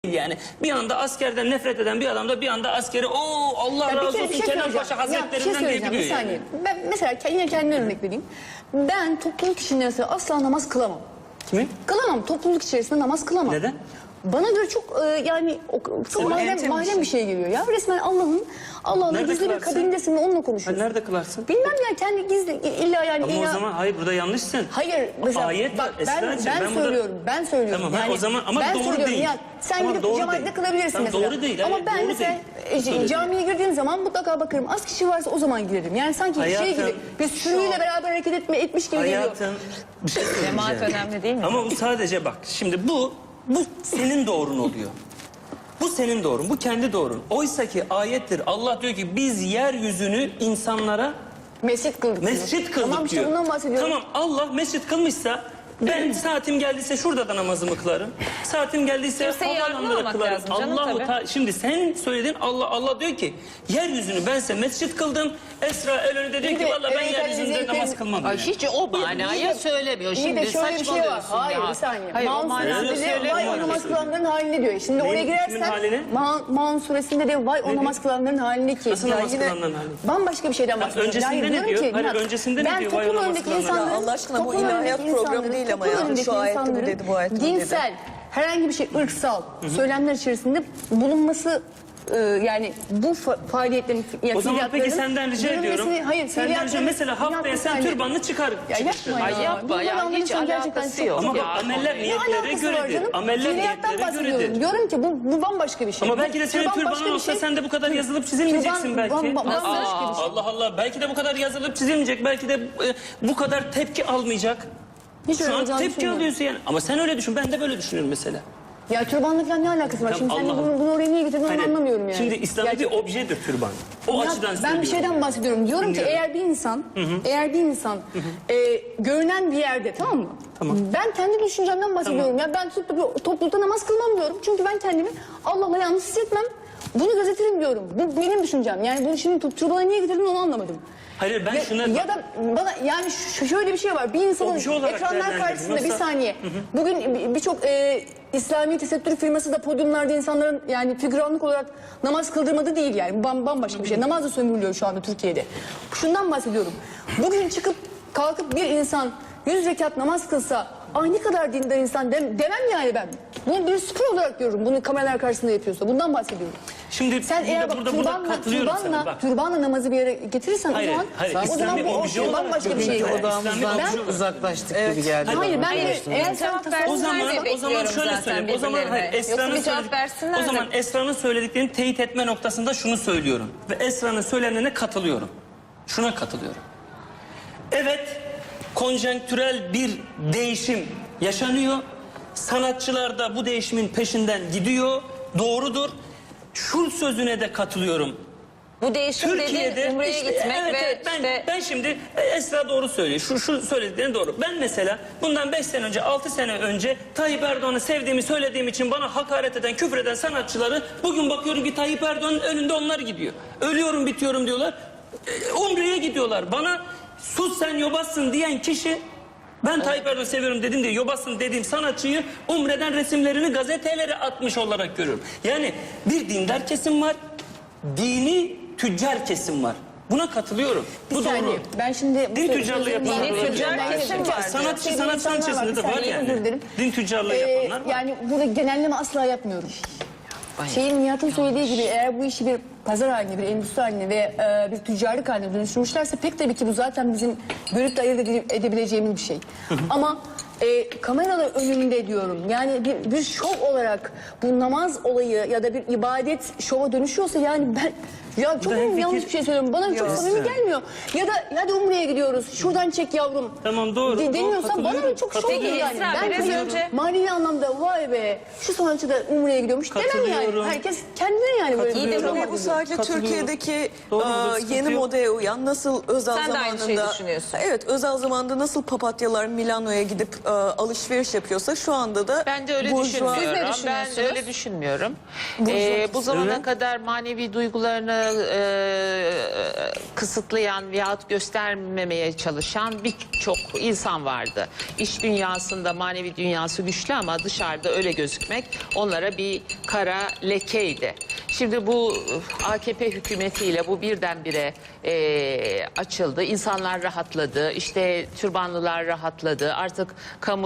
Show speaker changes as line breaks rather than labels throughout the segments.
yani. Bir anda askerden nefret eden bir adam da bir anda askeri Allah razı olsun Kenan Paşa Hazretlerinden diyebiliyor
bir saniye.
yani.
Ben mesela yine kendime örnek vereyim. Ben topluluk içinde asla namaz kılamam.
Kimin?
Kılamam. Topluluk içerisinde namaz kılamam.
Neden?
Bana göre çok yani çok mahrem bir şey geliyor ya. Resmen Allah'ın gizli bir kabindesin ve onunla konuşuyorsun.
Nerede kılarsın?
Bilmem ya, kendi gizli illa yani.
Ama o zaman hayır, burada yanlışsın.
Hayır mesela
ayet
bak ben söylüyorum.
Tamam,
yani,
o zaman ama
ben
doğru değil.
Ya, sen
tamam,
gidip cemaatle kılabilirsin
tamam,
mesela.
Doğru değil.
Ama
hayır,
ben
doğru
mesela
değil.
camiye girdiğim zaman mutlaka bakarım. Az kişi varsa o zaman girerim. Yani sanki
Hayatım,
şey gibi biz sürüyle beraber hareket etmiş gibi geliyor.
Hayatım bir şey söyleyeceğim.
Cemaat önemli değil mi?
Ama bu sadece bak şimdi bu senin doğrun oluyor. Bu senin doğrun, bu kendi doğrun. Oysa ki ayettir. Allah diyor ki biz yeryüzünü insanlara
Mescit kıldık.
mescit kıldık
tamam,
diyor.
İşte bundan bahsediyorum.
Tamam, Allah mescit kılmışsa ben saatim geldiyse şurada da namazımı kılarım. Saatim geldiyse
Kimseyi
havaalanında da
yargılamamak
kılarım.
lazım canım, tabii.
Şimdi sen söylediğin Allah diyor ki yeryüzünü bense mescit kıldım. Esra el önünde diyor ki valla ben yeryüzünde namaz kılmam.
Ay, hiç o manaya söylemiyor.
İyi
Şimdi
de şöyle bir şey var. Hayır bir saniye.
Hayır, o
Maun
manada
suresinde de
söylemiyor.
vay o namaz kılanların haline diyor. Şimdi
Neyin,
oraya girersen
kimin haline?
Maun suresinde de vay o namaz kılanların haline ki.
Nasıl
Ya
namaz
yine
kılanların haline?
Bambaşka bir şeyden bahsediyorum.
öncesinde ne
diyorum
diyor?
ki,
Hayır,
Nihat,
öncesinde ne diyor? Vay o
toplum
namaz
önündeki
kılanların
insanların-
Ya Allah aşkına bu
toplum
ilahiyat
önündeki
programı
insanların-
değil ama
toplum
ya.
önündeki
Şu ayette bu
insanların
dedi, bu ayette bu dedi.
dinsel herhangi bir şey ırksal söylemler içerisinde bulunması yani bu faaliyetlerin
O zaman peki senden rica ediyorum.
Hayır,
Senden rica mesela haftaya sen türbanını çıkar.
Ya yapma ya.
Ay yapma
Bunları
ya, hiç
anlamıyorsan gerçekten
alakası
çok-
yok.
Ama bak
Ya,
ameller
Ne
niyetlere
alakası var
göredir.
canım?
Ameller
Fiiliyattan
niyetlere
bahsediyorum.
göredir.
Diyorum ki bu bambaşka bir şey.
Ama belki de senin
Türban başka
türbanın
bir
olsa
şey.
sen de bu kadar yazılıp çizilmeyeceksin
Türban
belki.
bambaşka bir şey.
Allah Allah, belki de bu kadar yazılıp çizilmeyecek. Belki de bu kadar tepki almayacak.
Hiç öyle
Şu an
olacağını
tepki
düşünmüyorum.
alıyorsun yani. Ama sen öyle düşün. Ben de böyle düşünüyorum mesela.
Ya türbanla falan ne alakası var? Şimdi sen de
Allah
bunu oraya niye getirdin onu
Hayır,
anlamıyorum yani.
Şimdi İslam'da bir objedir türban. O
Ya
açıdan
ben
söylüyorum.
bir şeyden bahsediyorum. Diyorum ki eğer bir insan görünen bir yerde, tamam mı?
Tamam.
Ben kendi düşüncemden bahsediyorum. Ya ben toplulukta namaz kılmam diyorum. Çünkü ben kendimi Allah'la yalnız hissetmem. Bunu gözetirim diyorum. Bu benim düşüncem. Yani bunu şimdi turbana niye getirdin onu anlamadım.
Hayır, ben şuna...
Ya da bana yani şöyle bir şey var. Bir insanın
Obje olarak
ekranlar
değerlendirdim.
karşısında bir
Yoksa-
saniye. Bugün birçok İslami tesettür firması da podyumlarda insanların yani figüranlık olarak namaz kıldırmadı değil yani. Bambaşka bir şey. Namaz da sömürülüyor şu anda Türkiye'de. Şundan bahsediyorum. Bugün kalkıp bir insan 100 rekat namaz kılsa ne kadar dindar insan demem yani ben. Bunu bir spor olarak görürüm. Bunu kameralar karşısında yapıyorsa. Bundan bahsediyorum.
Şimdi
Sen eğer bak türbanla namazı bir yere getirirsen
Hayır,
o zaman
hayır,
o zaman
İslami
bu
obje olarak
bambaşka bir şey.
görünüyor.
Odamızdan
Ben-
uzaklaştık gibi geldi.
Hayır
bana.
ben eğer sen
Cevap versinler
O zaman
diye bekliyorum
şöyle
zaten
söyleyeyim. O zaman hayır,
birbirlerine. Yoksa bir cevap versinler
o
de.
zaman Esra'nın söylediklerini teyit etme noktasında şunu söylüyorum ve Esra'nın söylenene katılıyorum. Şuna katılıyorum. Evet, konjonktürel bir değişim yaşanıyor. Sanatçılar da bu değişimin peşinden gidiyor. Doğrudur. Şu sözüne de katılıyorum.
Bu değişim dediğin Umre'ye gitmek
evet,
ve
evet,
işte...
ben şimdi Esra doğru söylüyor. Şu söylediklerini doğru. Ben mesela bundan 5 sene önce 6 sene önce Tayyip Erdoğan'ı sevdiğimi söylediğim için bana hakaret eden küfür eden sanatçıları bugün bakıyorum ki Tayyip Erdoğan'ın önünde onlar gidiyor. Ölüyorum bitiyorum diyorlar. Umre'ye gidiyorlar. Bana sus sen yobazsın diyen kişi ben Tayyip Erdoğan'ı seviyorum dedim diye yobazsın dediğim sanatçıyı Umre'den resimlerini gazetelere atmış olarak görüyorum. Yani bir dindar kesim var. Dini tüccar kesim var. Buna katılıyorum.
Bir
Bu
saniye.
doğru.
Ben şimdi
Din tüccarlığı yapanlar
Dini
var.
tüccar kesim var.
Sanat içerisinde de var yani. Din tüccarlığı yapanlar var.
Yani burada genelleme asla yapmıyorum. Nihat'ın söylediği gibi eğer bu işi bir pazar haline, bir endüstri haline ve bir tüccarlık haline dönüştürmüşlerse pek tabii ki bu zaten bizim görüp de ayırt edebileceğimiz bir şey. Ama kameralar önünde diyorum yani bir şov olarak bu namaz olayı ya da bir ibadet şova dönüşüyorsa yani ben ya çok yanlış bir şey söylüyorum. Bana çok samimi gelmiyor. Ya da hadi Umre'ye gidiyoruz. Şuradan çek yavrum.
Tamam, doğru.
Deniyorsa bana da çok şov
Peki,
yani.
Esra,
Ben
biraz
tabii
önce-
manevi anlamda vay be şu sanatçı da Umre'ye gidiyormuş demem yani.
Katılıyorum.
Herkes kendine yani böyle
İyi de
bir
bu-
Tabii bu sadece
Katılıyorum.
Türkiye'deki
Doğru, burada sıkıntı
yeni
yok.
modaya uyan nasıl özel
Sen de aynı şeyi
zamanında
düşünüyorsun.
Evet, özel zamanda nasıl papatyalar Milano'ya gidip alışveriş yapıyorsa şu anda da
Ben de öyle
burjuva-
düşünmüyorum.
Siz ne
Ben
düşünüyorsunuz?
öyle düşünmüyorum.
Burjuva
Bu zamana
Öyle.
kadar manevi duygularını kısıtlayan veyahut göstermemeye çalışan birçok insan vardı. İç dünyasında manevi dünyası güçlü ama dışarıda öyle gözükmek onlara bir kara lekeydi. Şimdi bu AKP hükümetiyle bu birdenbire açıldı. İnsanlar rahatladı. İşte türbanlılar rahatladı. Artık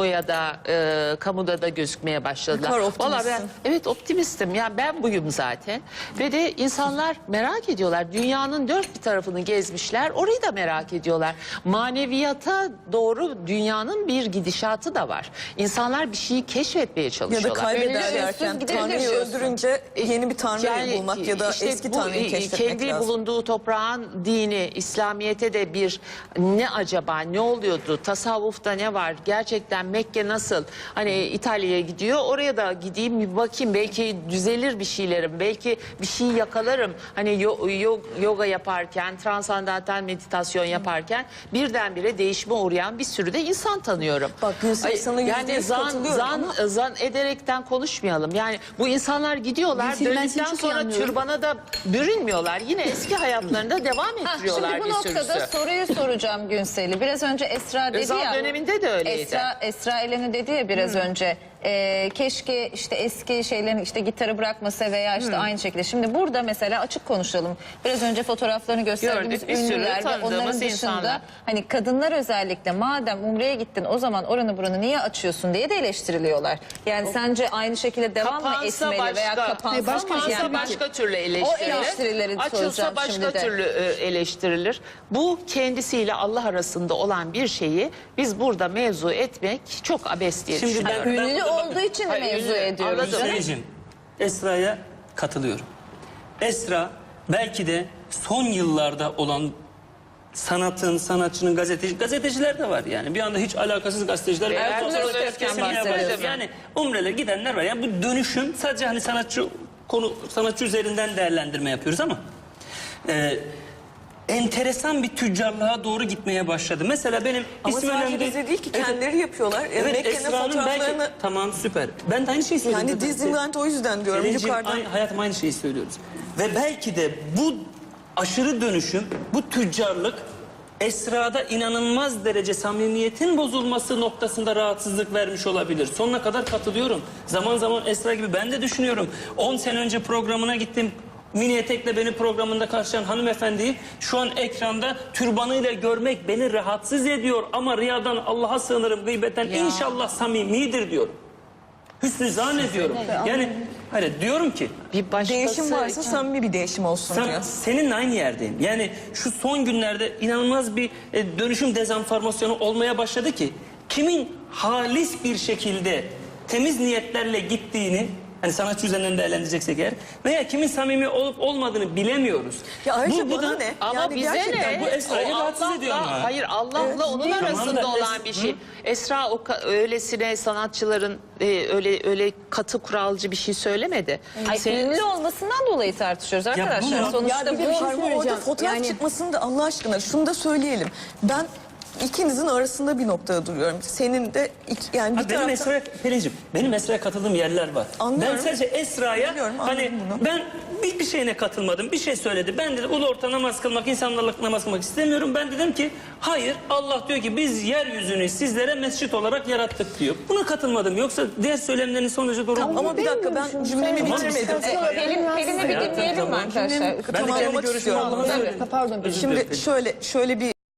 kamuda da gözükmeye başladılar.
Ne kadar optimistsin.
Vallahi evet optimistim. Yani ben buyum zaten. Ve de insanlar merak ediyorlar. Dünyanın dört bir tarafını gezmişler. Orayı da merak ediyorlar. Maneviyata doğru dünyanın bir gidişatı da var. İnsanlar bir şeyi keşfetmeye
Ya da
çalışıyorlar.
kaybederlerken Tanrı'yı öldürünce yeni bir Tanrı'yı bulmak ya da
işte
eski
bu,
Tanrı'yı keşfetmek
kendi
lazım.
bulunduğu toprağın dini, İslamiyet'e de bir ne acaba, ne oluyordu, tasavvufta ne var, gerçekten Mekke nasıl, hani İtalya'ya gidiyor, oraya da gideyim bir bakayım, belki düzelir bir şeylerim, belki bir şey yakalarım. Hani yoga yaparken, transandantal meditasyon yaparken birdenbire değişime uğrayan bir sürü de insan tanıyorum.
Bak Gülsüm, sana
yani
%100 katılıyorum ama-
zan ederekten konuşmayalım. Yani bu insanlar gidiyorlar,
Gülsüm, ben seni
döndükten
çok iyi
sonra
anlıyorum.
türbana da bürünmüyorlar. Yine eski hayatlarında devam ettiriyorlar
Şimdi bu
bir
noktada
sürüsü.
soruyu soracağım Günsel'i. Biraz önce Esra dedi
Özal
ya.
döneminde de öyleydi.
Esra Elen'i dedi ya biraz önce. Keşke işte eski şeylerin işte gitarı bırakmasa veya işte aynı şekilde. Şimdi burada mesela açık konuşalım. Biraz önce fotoğraflarını gösterdiğimiz
Gördük, bir sürü
ünlüler ve
tanıdığımız
onların dışında
insanlar.
hani kadınlar özellikle madem Umre'ye gittin o zaman oranı buranı niye açıyorsun diye de eleştiriliyorlar. Yani sence aynı şekilde devam mı
Kapansa
etmeli veya kapansa mı?
kapansa
Yani
başka türlü eleştirilir.
O eleştirileri
Açılsa
soracağım
başka
şimdi de.
türlü eleştirilir. Bu kendisiyle Allah arasında olan bir şeyi biz burada mevzu etmek çok abes diye
Şimdi ben-
düşünüyorum.
Ünlü
burada
olduğu için de
Hayır,
mevzu
ünlü,
ediyoruz.
anladım.
canım.
Seyircim, Esra'ya katılıyorum. Esra belki de son yıllarda olan sanatçının gazeteciler de var yani. Bir anda hiç alakasız gazeteciler var.
Ertuğrul
Sonra
Öztürk'ten
kesin
bahsediyorsun.
yaparız. Yani Umre'le gidenler var. Yani bu dönüşüm sadece hani sanatçı üzerinden değerlendirme yapıyoruz ama enteresan bir tüccarlığa doğru gitmeye başladı. Mesela benim
Ama
ismi
sadece
önemli
bize değil ki
Evet.
kendileri yapıyorlar.
Evet,
Mekke'nin
Esra'nın
fotoğraflarını...
belki... Tamam süper. Ben de aynı şeyi söylüyorum.
Yani
zaten.
Disneyland o yüzden diyorum
Selin'cim,
yukarıdan.
hayatım aynı şeyi söylüyoruz. Ve belki de bu aşırı dönüşüm, bu tüccarlık Esra'da inanılmaz derece samimiyetin bozulması noktasında rahatsızlık vermiş olabilir. Sonuna kadar katılıyorum. Zaman zaman Esra gibi ben de düşünüyorum. 10 sene önce programına gittim. Mini etekle beni programında karşılayan hanımefendiyi şu an ekranda türbanıyla görmek beni rahatsız ediyor. Ama riyadan Allah'a sığınırım, gıybetten inşallah samimidir diyorum. Hüsnü zannediyorum. Yani hayır diyorum ki
Bir başkası
Değişim varsa
için-
samimi bir değişim olsun diyor.
seninle aynı yerdeyim. Yani şu son günlerde inanılmaz bir dönüşüm dezenformasyonu olmaya başladı ki kimin halis bir şekilde temiz niyetlerle gittiğini hani sanatçı üzerinden değerlendireceksek eğer veya kimin samimi olup olmadığını bilemiyoruz.
Ya ayrıca
Bu
bana
da-
ne?
Ama
Yani
bize
gerçekten
ne?
bu Esra'yı
O
rahatsız ediyor ama.
Hayır Allah'la onun
değil.
arasında
Tamam da
olan bir şey. Esra öylesine sanatçıların öyle katı kuralcı bir şey söylemedi.
Ay, ünlü olmasından dolayı tartışıyoruz arkadaşlar.
bunu-
Sonuçta
Ya bir de bir
bu
şey
Harbi orada
söyleyeceğim.
fotoğraf
Yani-
çıkmasın da Allah aşkına şunu da söyleyelim. Ben ikinizin arasında bir noktada duruyorum. Senin de yani bir
Ha, benim
taraftan...
Esra'ya Pelin'cim, benim Esra'ya katıldığım yerler var.
Anlıyorum.
Ben sadece Esra'ya
Biliyorum,
hani
anladım bunu.
ben bir şeyine katılmadım. Bir şey söyledi. Ben dedim ulu orta namaz kılmak, insanlarla namaz kılmak istemiyorum. Ben dedim ki hayır, Allah diyor ki biz yeryüzünü sizlere mescit olarak yarattık diyor. Buna katılmadım. Yoksa diğer söylemlerin sonucu doğru.
Ama bir dakika ben cümlemi
Tamam,
bitirmedim.
Pelin'i bir dinleyelim mi arkadaşlar?
Ben de kendi
Tamamlamak
görüşümü
istiyorum.
anlamak
Evet.
istiyorum.
Pardon.
Özür
Şimdi
dilerim.
şöyle bir